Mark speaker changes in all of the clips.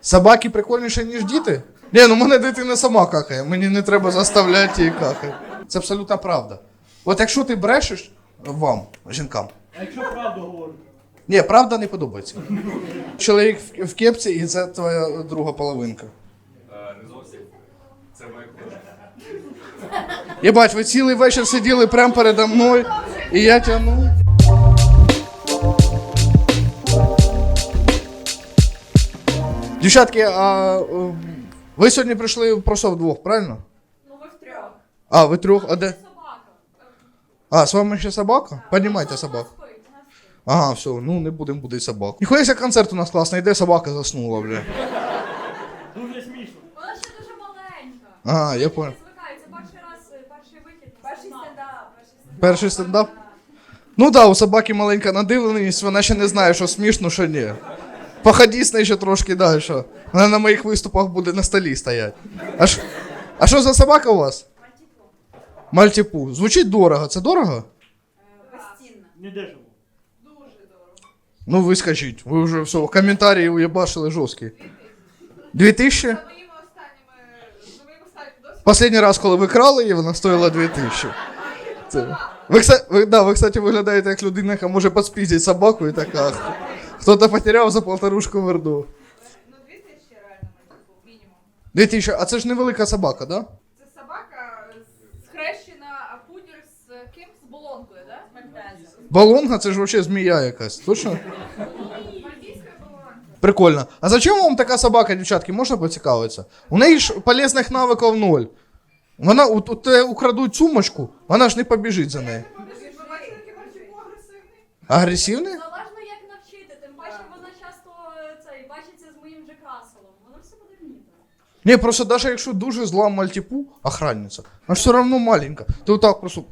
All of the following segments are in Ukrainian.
Speaker 1: Собаки прикольніші, ніж діти? Ні, ну мене дитина сама какає, мені не треба заставляти її какати. Це абсолютно правда. От якщо ти брешеш вам, жінкам.
Speaker 2: А якщо правду говорити?
Speaker 1: Ні, правда не подобається. Чоловік в кепці і це твоя друга половинка.
Speaker 3: Не зовсім. Це моя кожа.
Speaker 1: Єбать, ви цілий вечір сиділи прямо передо мною, і я тягнув. Дівчатки, а ви сьогодні прийшли просто вдвох, правильно?
Speaker 4: Ну ви втрьох.
Speaker 1: А, ви трьох, а де?
Speaker 4: Собака.
Speaker 1: А, з вами ще собака? Піднімайте собаку.
Speaker 4: Вона спить, вона спить.
Speaker 1: Ага, все, ну не будемо будити собаку. Ніхуя концерт у нас класний, де собака заснула, бля.
Speaker 2: Дуже смішно.
Speaker 4: Вона ще дуже маленька.
Speaker 1: Ага, я понял.
Speaker 4: Не звикає, це перший раз, перший вихід.
Speaker 5: Перший стендап.
Speaker 1: Перший стендап? Ну да, у собаки маленька надивленість, вона ще не знає, що смішно, що ні. Походи з нею ще трошки далі. Вона на моїх виступах буде на столі стояти. А що за собака у вас? Мальтіпу. Звучить дорого. Це дорого?
Speaker 5: Постійно.
Speaker 2: Не дешево.
Speaker 5: Дуже дорого.
Speaker 1: Ну ви скажіть. Ви вже все, коментарі уєбашили жорсткі. 2000?
Speaker 5: За моїми останніми досвідами.
Speaker 1: Последній раз, коли ви крали її, вона стоїла 2000. Це... Ви, кстати, виглядаєте як людина, яка може підспіздити собаку і така. Хто-то потеряв за полторушку верду.
Speaker 5: Ну, 2000 реально, мінімум.
Speaker 1: 2000, а це ж невелика собака, да?
Speaker 5: Це собака схрещена, а пудір з ким? З болонкою, да? З мальтезом.
Speaker 1: Балонга, це ж вообще змія якась. Точно?
Speaker 5: Мальтійська болонка.
Speaker 1: Прикольно. А зачем вам така собака, дівчатки, можна поцікавитися? У неї ж полезних навиків ноль. Вона у тебе украдуть сумочку, вона ж не побіжить за нею.
Speaker 5: Ви бачили, який мальчику агресивний?
Speaker 1: Агресивний?
Speaker 4: Залежно як навчити, тим паче вона часто бачиться з моїм Джек Расселом. Вона все буде вміти.
Speaker 1: Ні, просто навіть якщо дуже зла мальтіпу, охранниця, вона ж все одно маленька. Ти отак просто...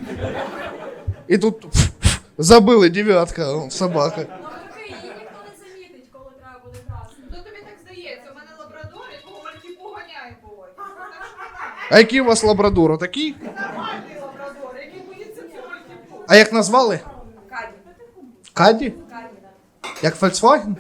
Speaker 1: І тут забили дев'ятка собака.
Speaker 4: Навпаки, її ніхто не замітить, коли треба буде красти.
Speaker 5: Ну, тобі так здається, у мене лабрадор, якого мальчику ганяє буває.
Speaker 1: А який у вас лабрадор? Такий?
Speaker 5: Нормальний лабрадор, який боїться цього мальчику.
Speaker 1: А як назвали?
Speaker 5: Каді.
Speaker 1: Каді?
Speaker 5: Каді, так.
Speaker 1: Як Volkswagen?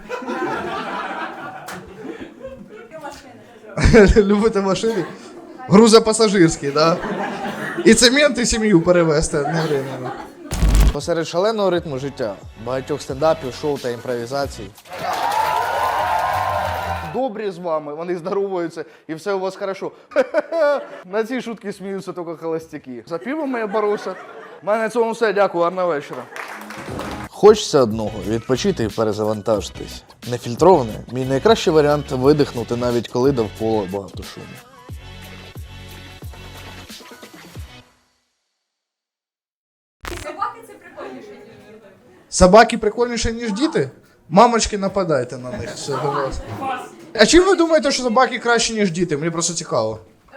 Speaker 1: Любите машини? Грузопасажирські, да? І цемент, і сім'ю перевезти одновременно. Посеред шаленого ритму життя, багатьох стендапів, шоу та імпровізацій. Добрі з вами, вони здоровуються, і все у вас хорошо. На ці шутки сміються тільки холостяки. За пивом я боруся. У мене на цьому все, дякую, гарного вечора. Хочеться одного – відпочити і перезавантажитись. Нефільтроване – мій найкращий варіант видихнути, навіть коли довкола багато шуму.
Speaker 4: Собаки це прикольніше, ніж діти.
Speaker 1: Собаки прикольніші, ніж діти? Мамочки, нападайте на них. Все, будь ласка. А чим ви думаєте, що собаки краще, ніж діти? Мені просто цікаво.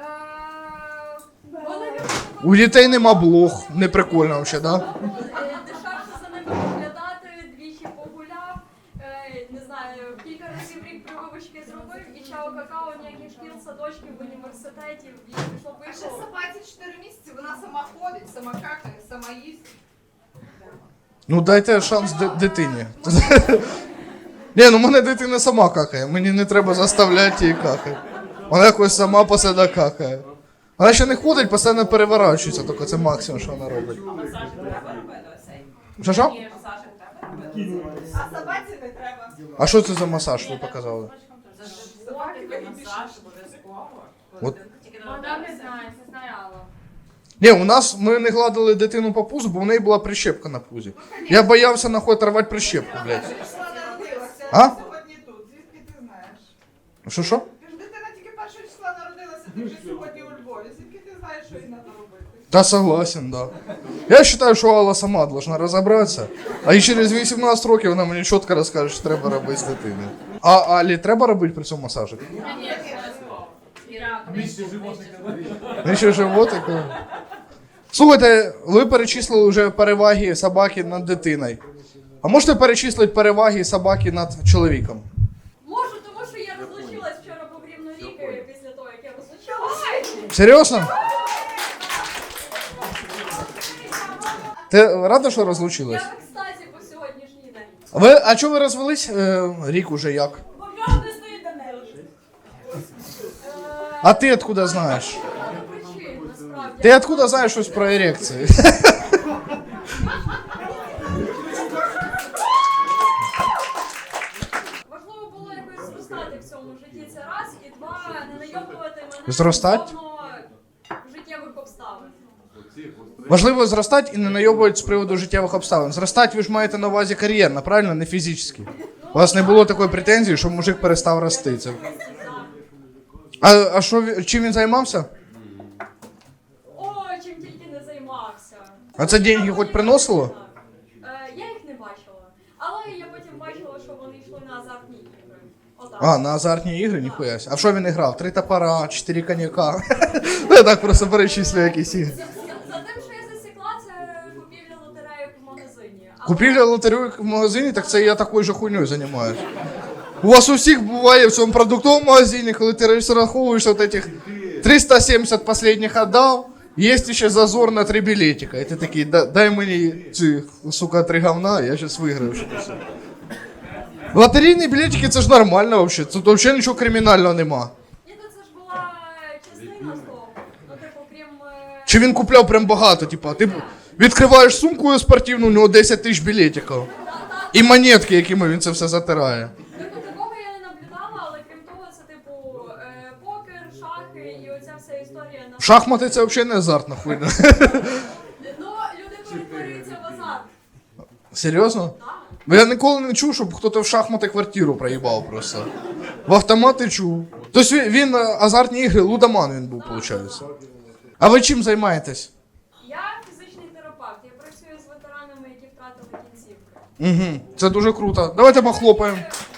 Speaker 4: Вони
Speaker 1: У дітей нема блох, не прикольно взагалі, да?
Speaker 4: дешевше за ними доглядати, двічі погуляв, не знаю, кілька разів в рік прививочки зробив, і чао какао, ніяких шкіл, садочків, університетів, і пішло
Speaker 5: А ще
Speaker 4: пішло.
Speaker 5: собаці 4 місяці, вона сама ходить, сама какає, сама їсть.
Speaker 1: Ну дайте шанс дитині. Ні, ну мене дитина сама какає, мені не треба заставляти її какати. Вона якось сама по себе какає. Вона ще не ходить, постійно переворачується, тільки це максимум, що вона робить. Що?
Speaker 5: А собаці не треба.
Speaker 1: А що це за масаж ви показали? От.
Speaker 4: Вона не знає, це знає Алла.
Speaker 1: Ні, у нас ми не гладили дитину по пузу, бо в неї була прищепка на пузі. Я боявся нахуй рвати прищепку, блядь.
Speaker 5: Числа народилася,
Speaker 1: А?
Speaker 5: сьогодні тут. Звідки ти знаєш?
Speaker 1: Що?
Speaker 5: Ти ж дитина тільки 1 числа народилася, ти вже сьогодні у Львові. Звідки ти знаєш, що їй треба робити?
Speaker 1: Да, согласен, да. Я вважаю, що Алла сама должна розібратися, а і через 18 років вона мені чітко розкаже, що треба робити з дитиною. А Алі треба робити при цьому масажик? Нижче животика? Слухайте, ви перечислили вже переваги собаки над дитиною. А можете перечислити переваги собаки над чоловіком?
Speaker 4: Можу, тому що я розлучилась вчора, був рівно рік після того, як я розлучилась.
Speaker 1: Серйозно? Ти рада, що розлучилась?
Speaker 4: Я в екстазі по сьогоднішній день.
Speaker 1: А чого ви розвелись? Рік уже як?
Speaker 4: Бо в нього не стоїть Данило.
Speaker 1: А ти откуда знаєш?
Speaker 4: причин, насправді.
Speaker 1: Ти откуда знаєш щось про ерекції?
Speaker 4: Важливо було якось зростати в цьому житті, це раз, і два, не найобувати мене
Speaker 1: Зростать?
Speaker 4: стосовно життєвих обставин.
Speaker 1: Важливо зростати і не найобувати з приводу життєвих обставин. Зростати ви ж маєте на увазі кар'єрно, правильно? Не фізично. У вас не було такої претензії, що мужик перестав рости. Це... А що, чим він займався?
Speaker 4: О, чим тільки не займався.
Speaker 1: А це деньги хоч приносило?
Speaker 4: Я їх не бачила. Але я потім бачила, що вони йшли на азартні ігри. Отак.
Speaker 1: А, на азартні ігри? Ніхуя. А в що він грав? 3 топора, 4 коньяка. Ну я так просто перечислю якісь ігри.
Speaker 4: За тим, що я засікла, це купівля лотереїв в магазині. Але-
Speaker 1: Купівля лотерейок в магазині, так це я такою же хуйньою займаюсь. У вас у всіх буває в цьому продуктовому магазині, коли ти розраховуєш от этих 370 последних отдав, є ще зазор на 3 білетика. І ти такий, дай мені ці, сука, 3 говна, я зараз виграю щось. Лотерейні білетики це ж нормально взагалі, тут взагалі нічого кримінального нема.
Speaker 4: Ні, то це ж була частина з того. Ну, типу, крім...
Speaker 1: Чи він купляв прям багато, типа, ти відкриваєш сумку спортивну, у нього 10 тисяч білетиків. І монетки, якими він це все затирає.
Speaker 4: Типу, такого я не наблюдала, але крім того, це типу покер, шахи і оця вся історія на...
Speaker 1: Шахмати це взагалі не азартна хуйня.
Speaker 4: Ну, люди перетворюються в азарт.
Speaker 1: Серйозно?
Speaker 4: Так.
Speaker 1: Я ніколи не чув, щоб хтось в шахмати квартиру проїбав просто. В автомати чув. Тобто він азартні ігри, лудоман він був, виходить. А ви чим займаєтесь?
Speaker 4: Я фізичний терапевт, я працюю з ветеранами, які втратили кінцівки.
Speaker 1: Угу, це дуже круто. Давайте похлопаємо.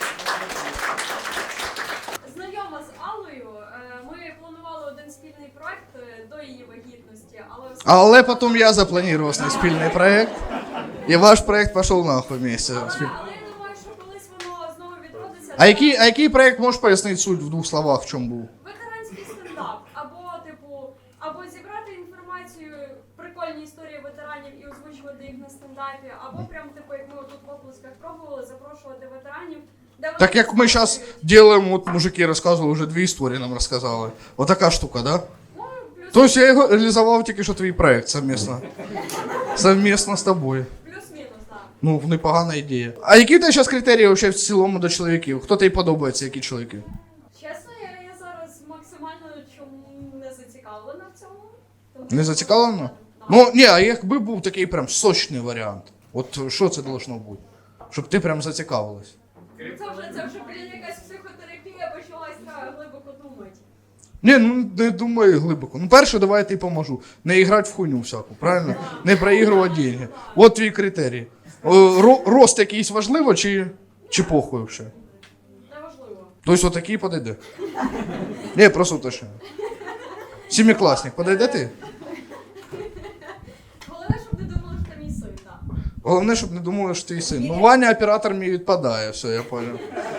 Speaker 4: Знайома з Аллою, ми планували один спільний проект до її вагітності,
Speaker 1: Але потім я запланував свій спільний проект. І ваш проект пішов нахуй вместе.
Speaker 4: Але я думаю, що колись воно знову відродиться.
Speaker 1: А який проект, можеш пояснити суть в 2 словах, в чому був?
Speaker 4: Ветеранський стендап. Або зібрати інформацію, прикольні історії ветеранів і озвучувати їх на стендапі, або прям, як ми тут в оплесках пробували, запрошувати ветеранів. де вони
Speaker 1: Так як ми зараз робимо, от мужики розказували, вже 2 історії нам розказали. Отака штука, да?
Speaker 4: Ну, плюс,
Speaker 1: Тобто я його реалізував тільки що твій проект совмісно. Совмісно з тобою.
Speaker 4: плюс-мінус, так.
Speaker 1: Ну, непогана ідея. А які у тебе зараз критерії вообще в цілому до чоловіків? Хто тобі подобається, які чоловіки?
Speaker 4: Чесно, я зараз максимально чому не зацікавлена в цьому. Тому
Speaker 1: Не
Speaker 4: що-
Speaker 1: зацікавлена?
Speaker 4: Да.
Speaker 1: Ну, ні, а якби був такий прям сочний варіант. От що це должно бути? Щоб ти прям зацікавилась.
Speaker 4: Це вже, блін, якась психотерапія почалась, треба глибоко думати.
Speaker 1: Ні, ну не думаю глибоко. Ну, перше, давай я тобі поможу. Не грати в хуйню всяку, правильно? Не проігрувати деньги. От твій критерій. Рост якийсь важливо чи похуй взагалі?
Speaker 4: Неважливо.
Speaker 1: Тобто отакий подойде? Ні, просто уточнюю. Семикласник, подойде ти?
Speaker 4: Головне, щоб не думали, що це мій син, так.
Speaker 1: Головне, щоб не думали, що твій син. Ну, Ваня оператор мій відпадає, все, я понял.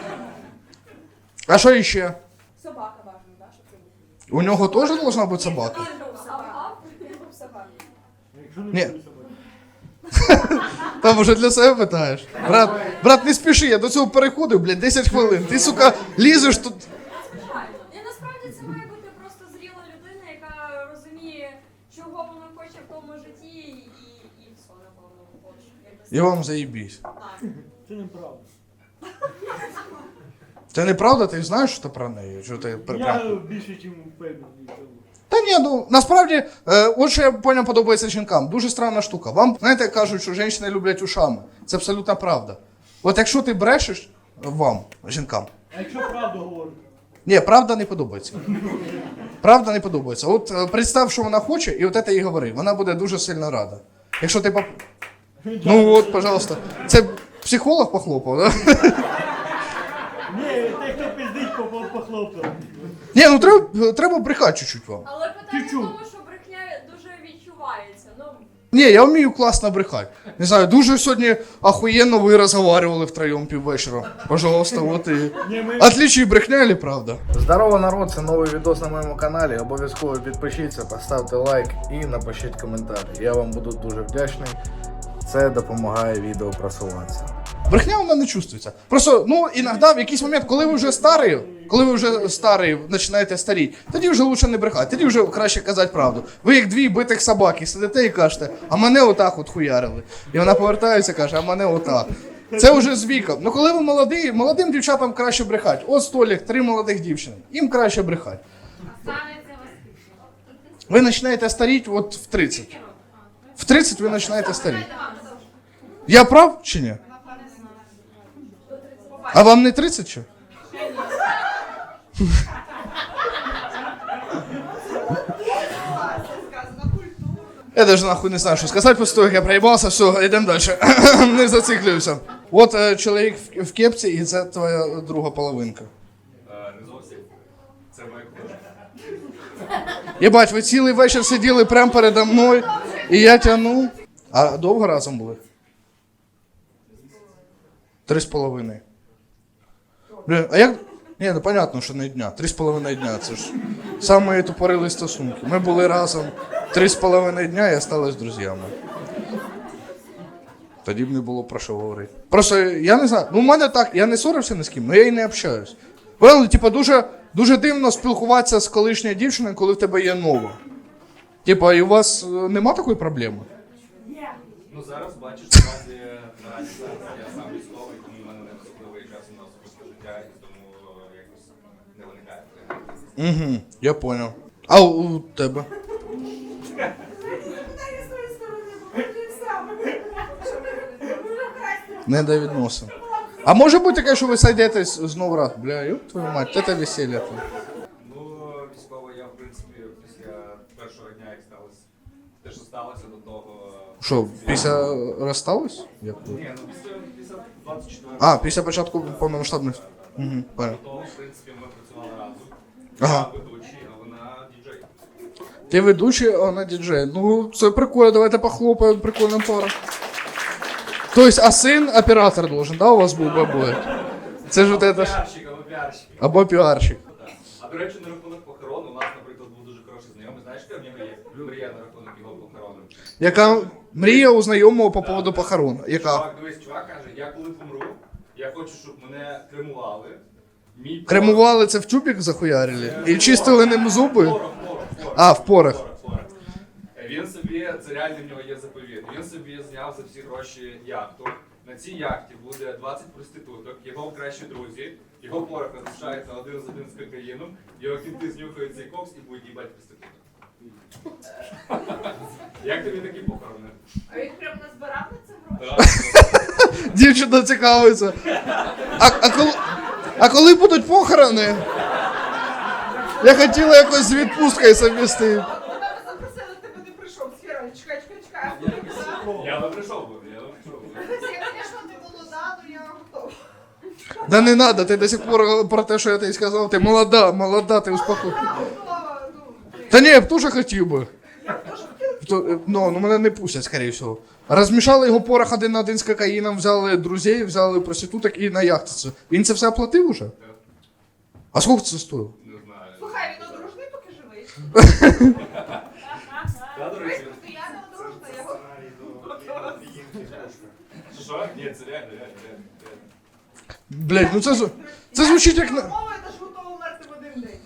Speaker 1: А що ще?
Speaker 5: Собака важна, да, щоб це був.
Speaker 1: У нього теж должна бути собака?
Speaker 5: Собака.
Speaker 2: Якщо не
Speaker 1: Ні.
Speaker 2: буде собаки.
Speaker 1: Там уже для себе питаєш. Брат, не спіши, я до цього переходив, блядь, 10 хвилин. Ти, сука, лізеш тут.
Speaker 4: Звичайно. І насправді це має бути просто зріла людина, яка розуміє, чого вона хоче в тому житті, і все, напевно, хоче. Якось
Speaker 1: І вам заїбісь.
Speaker 4: так.
Speaker 2: Це неправда.
Speaker 1: Це неправда, ти знаєш, що про неї? Що ти
Speaker 2: Я більше, ніж впевнений в цьому.
Speaker 1: Та ні, ну насправді, от що я поняв, подобається жінкам. Дуже странна штука. Вам, знаєте, кажуть, що жінки люблять ушами. Це абсолютно правда. От якщо ти брешеш вам, жінкам,
Speaker 2: А якщо правду говорити?
Speaker 1: ні, правда не подобається. Правда не подобається. От представ, що вона хоче, і от це їй говори. Вона буде дуже сильно рада. Якщо ти Ну от, пожалуйста. Це психолог похлопав, да?
Speaker 2: Ні, той, хто пиздить, похлопав.
Speaker 1: Ні, ну треба брехати чуть-чуть вам.
Speaker 4: Але питання в
Speaker 2: Чуть-чуть.
Speaker 4: тому, що брехня дуже відчувається. Ну,
Speaker 1: Ні, я вмію класно брехати. Не знаю, дуже сьогодні охуєнно ви розговорювали втроєм піввечора. Пожалуйста, от і...
Speaker 2: Ні, ми...
Speaker 1: Отличие брехня или правда?
Speaker 6: Здорово, народ, це новий відос на моєму каналі. Обов'язково підпишіться, поставте лайк і напишіть коментар. Я вам буду дуже вдячний. Це допомагає відео просуватися.
Speaker 1: Брехня вона не чувствується. Просто, ну, іноді в якийсь момент, коли ви вже старий, починаєте старіти, тоді вже лучше не брехати, тоді вже краще казати правду. Ви як дві битих собаки сидите і кажете, а мене отак от хуярили. І вона повертається і каже, а мене отак. Це вже з віком. Ну коли ви молоді, молодим дівчатам краще брехати. От столик, 3 молодих дівчини. Їм краще брехати. Ви починаєте старіти от в 30. В 30 ви починаєте старіти. Я прав чи ні? А вам не 30 чи? Я даже нахуй не знаю, що сказати після того, як я проїбався, все, йдемо далі. Не зациклююся. От чоловік в кепці, і це твоя друга половинка.
Speaker 3: Не зовсім. Це моя книжка.
Speaker 1: Єбать, ви цілий вечір сиділи прямо передо мною, і я тягнув. А довго разом були? 3,5. Блін, а як... Ні, ну понятно, що не дня. 3,5 дня, це ж самі тупорили стосунки. Ми були разом 3,5 дня і остались друзями. Тоді б не було про що говорити. Просто, я не знаю, ну в мене так, я не ссорився ні з ким, але я і не общаюсь. Правда, типа, дуже дивно спілкуватися з колишньою дівчиною, коли в тебе є нова. Типа, і у вас нема такої проблеми?
Speaker 3: Ну зараз бачиш, наразі зараз я сам військовий, тому в мене не особливий час на особисте життя, і тому якось не виникає.
Speaker 1: Угу, я понял. А у тебе? Не до відносин. А може бути таке, що ви сойдетесь знову раз? Бля, ёб твою мать, це весілля.
Speaker 3: Ну, військово я, в принципі, після першого дня, як сталося, те, що сталося до того...
Speaker 1: Що, після розстались? Як?
Speaker 3: Ні, ну після 24-го.
Speaker 1: А, після початку повномасштабних. Угу, понял.
Speaker 3: До того, в принципі, ми працювали разом.
Speaker 1: Ага.
Speaker 3: Я ведучий, а вона діджей.
Speaker 1: Ти ведучий, а вона діджей. Ну, це прикольно, давайте похлопаємо, прикольна пара. Тобто, а син оператор должен, да, у вас був бабой? Це ж вот это ж...
Speaker 3: Піарщик, або піарщик.
Speaker 1: Або піарщик.
Speaker 3: А до речі, на рахунок похорону, у нас, наприклад, був дуже хороший знайомий. Знаєш, яка в нього є? Мрія на рахунок його похорону.
Speaker 1: Яка мрія у знайомого по поводу похорон? Яка?
Speaker 3: Чувак, дивись, чувак каже, я коли помру, я хочу, щоб мене кремували. Мій
Speaker 1: Кремували це в тюбік захуярили? І чистили ним зуби?
Speaker 3: порох.
Speaker 1: А, в порох.
Speaker 3: Порох. Він собі, це реально в нього є заповіт, він собі зняв за всі гроші яхту. На цій яхті буде 20 проституток, його кращі друзі, його порох розрішається один з один з кокаїном, його кінти знюхають цей кокс і будуть їбати проституток. Як тобі такі похорони?
Speaker 5: А він прям назбирав на це гроші?
Speaker 1: Дівчина цікавиться. А коли будуть похорони? Я хотіла якось з відпусткою совмістити.
Speaker 5: Тебе запросили, тебе не прийшов. Сфера, чекай.
Speaker 3: Я би прийшов би.
Speaker 5: Я, звісно, не молода, але я готова.
Speaker 1: Да не надо, ти до сих пор про те, що я тобі сказав, ти молода, ти успокой.
Speaker 5: Я готова,
Speaker 1: Та ні, я б теж хотів би. Ну, мене не пустять, скоріше всього. Розмішали його порох один на один з кокаїном, взяли друзів, взяли проституток і на яхту. Він це все оплатив уже? А скільки це стоїло?
Speaker 3: Не знаю.
Speaker 5: Слухай, він одружний, поки живий.
Speaker 3: Та, до речі,
Speaker 5: Просто я не одружна, я готова.
Speaker 3: що? Ні, це реально.
Speaker 1: Блять, ну це звучить як...
Speaker 5: Мова, я теж готова вмерти в один день.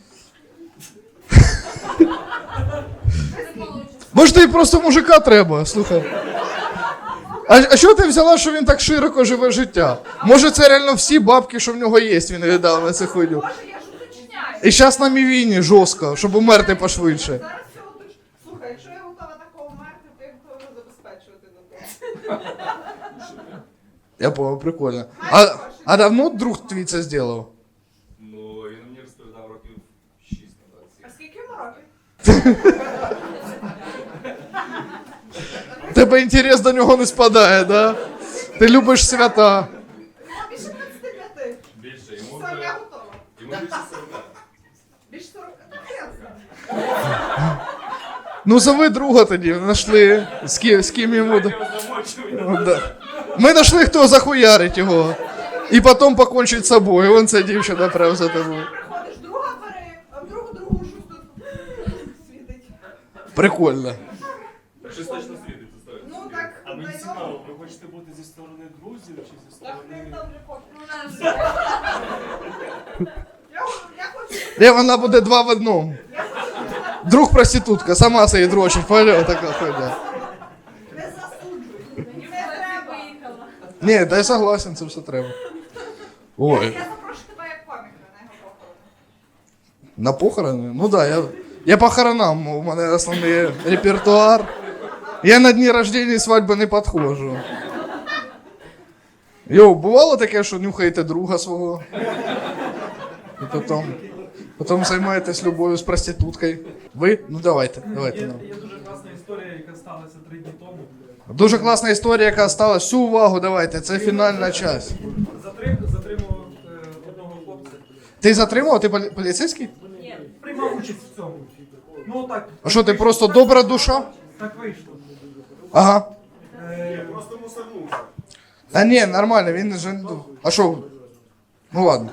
Speaker 1: Може тобі просто мужика треба, слухай. А що ти взяла, що він так широко живе життя? Може це реально всі бабки, що в нього є, він віддав на цю хуйню.
Speaker 5: Боже, я ж уточняю.
Speaker 1: І зараз на мівіні жорстко, щоб умерти пошвидше.
Speaker 5: Зараз все уточню. Слухай, якщо я готова такого вмерти, то я готова забезпечувати на то.
Speaker 1: Я понял, прикольно. А давно друг твій це зробив?
Speaker 3: Ну, він мені розповідав років 6 назад.
Speaker 5: А скільки йому років?
Speaker 1: Тебе інтерес до нього не спадає, да? Ти любиш свята.
Speaker 5: Більше 25.
Speaker 3: Більше, йому
Speaker 5: Все, я
Speaker 3: вже...
Speaker 5: готова.
Speaker 3: Йому більше 40.
Speaker 5: Більше 40. Ну, ясно.
Speaker 1: Ну зови друга тоді, знайшли, з ким йому...
Speaker 3: Я його замочив.
Speaker 1: Да. Ми знайшли, хто захуярить його. І потім покончить з собою. Вон ця дівчина прям за тобою.
Speaker 5: Приходиш, друга бери, а в другу щось тут світить.
Speaker 1: Прикольно.
Speaker 3: Щось точно світиться, стоїть.
Speaker 5: Ну так,
Speaker 2: А мені
Speaker 5: знайомо.
Speaker 2: цікаво, ви хочете бути зі сторони друзів чи зі сторони
Speaker 5: Я хочу,
Speaker 1: Де вона буде два в одному. Друг проститутка, сама себе дрочить, поняла така хуйня.
Speaker 5: не засуджуй. Не
Speaker 4: Я
Speaker 5: треба.
Speaker 4: виїхала.
Speaker 1: Ні, та я согласен, це все треба. Ой.
Speaker 5: Я запрошу тебе як коміка на його похорони.
Speaker 1: На похорони? Ну да, я похоронам, у мене основний репертуар. Я на дні рождения і свадьби не підходжу. Йоу, бувало таке, що нюхаєте друга свого? І потім займаєтесь любов'ю з проституткою. Ви? Ну давайте.
Speaker 7: Є дуже класна історія, яка сталася 3 дні тому.
Speaker 1: Дуже класна історія, яка стала. Всю увагу давайте, це фінальна часть.
Speaker 7: Затримав одного хлопця.
Speaker 1: Ти затримав? Ти поліцейський?
Speaker 4: Ні.
Speaker 7: Приймав участь в цьому. Ну так.
Speaker 1: А що, ти просто добра душа?
Speaker 7: Так вийшло.
Speaker 1: Ага.
Speaker 7: Просто мусорнувся.
Speaker 1: Та ні, нормально, він же... А що? Ну ладно.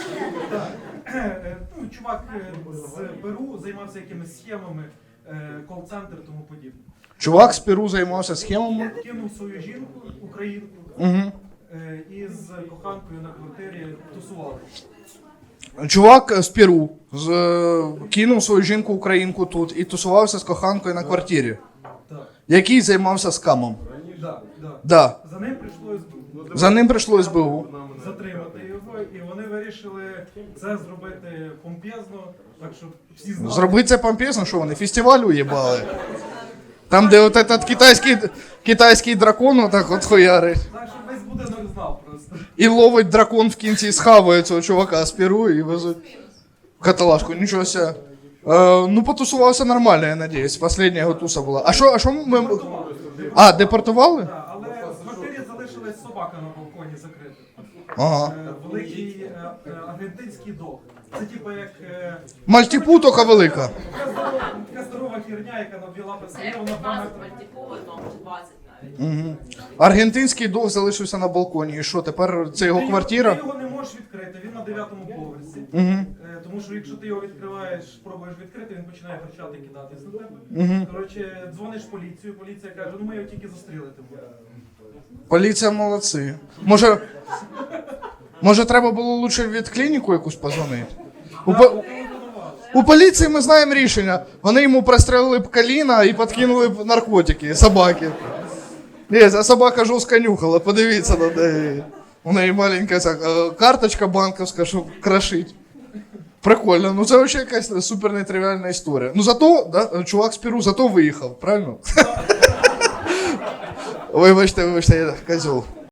Speaker 7: Ну, чувак з Перу займався якимись схемами, кол-центр тому подібне.
Speaker 1: Чувак з Перу займався схемами.
Speaker 7: Кинув свою жінку, українку,
Speaker 1: Угу.
Speaker 7: і з коханкою на квартирі тусував.
Speaker 1: Чувак з Перу кинув свою жінку українку тут і тусувався з коханкою на квартирі.
Speaker 7: Так.
Speaker 1: Який займався скамом.
Speaker 7: Да.
Speaker 1: Да.
Speaker 7: За ним прийшло СБУ.
Speaker 1: За ним прийшло СБУ.
Speaker 7: Затримати його, і вони вирішили це зробити помпезно, так щоб всі знали.
Speaker 1: Зробити це помпезно, що вони фестиваль уїбали. Там, де от этот китайський дракон отак от хуярить.
Speaker 7: Так, щоб весь будинок знав просто.
Speaker 1: І ловить дракон в кінці, схаває цього чувака з Перу і везуть в каталажку. Нічого себе. Ну, потусувався нормально, я надіюсь. Последня його туса була. А що ми... А, депортували?
Speaker 7: Так, але в квартирі залишилась собака на балконі закрита.
Speaker 1: Ага.
Speaker 7: Великий аргентинський дог. Це типу як
Speaker 1: Мальтіпу тільки велика.
Speaker 7: така здорова херня, яка на 2 лапи стає, вона 2 метри.
Speaker 8: чи 20 навіть.
Speaker 1: Угу. Аргентинський дог залишився на балконі. І що, тепер це його квартира?
Speaker 7: Ти його не можеш відкрити, він на 9-му поверсі.
Speaker 1: Угу.
Speaker 7: Тому що якщо ти його відкриваєш, пробуєш відкрити, він починає кричати, кидатись на тебе.
Speaker 1: Угу.
Speaker 7: Коротше, дзвониш в поліцію, поліція каже, ну ми його тільки застрілити будемо.
Speaker 1: Поліція молодці. Може треба було лучше від клініку якусь позвонити? У поліції ми знаємо рішення. Вони йому прострелили б коліна і підкинули б наркотики, собаки. Ні, ця собака жорстко нюхала, подивіться на неї. У неї маленька ця карточка банківська, щоб крошить. Прикольно, ну це взагалі якась супер нетривіальна історія. Ну зато, да, чувак з Перу зато виїхав, правильно? Вибачте, я козел.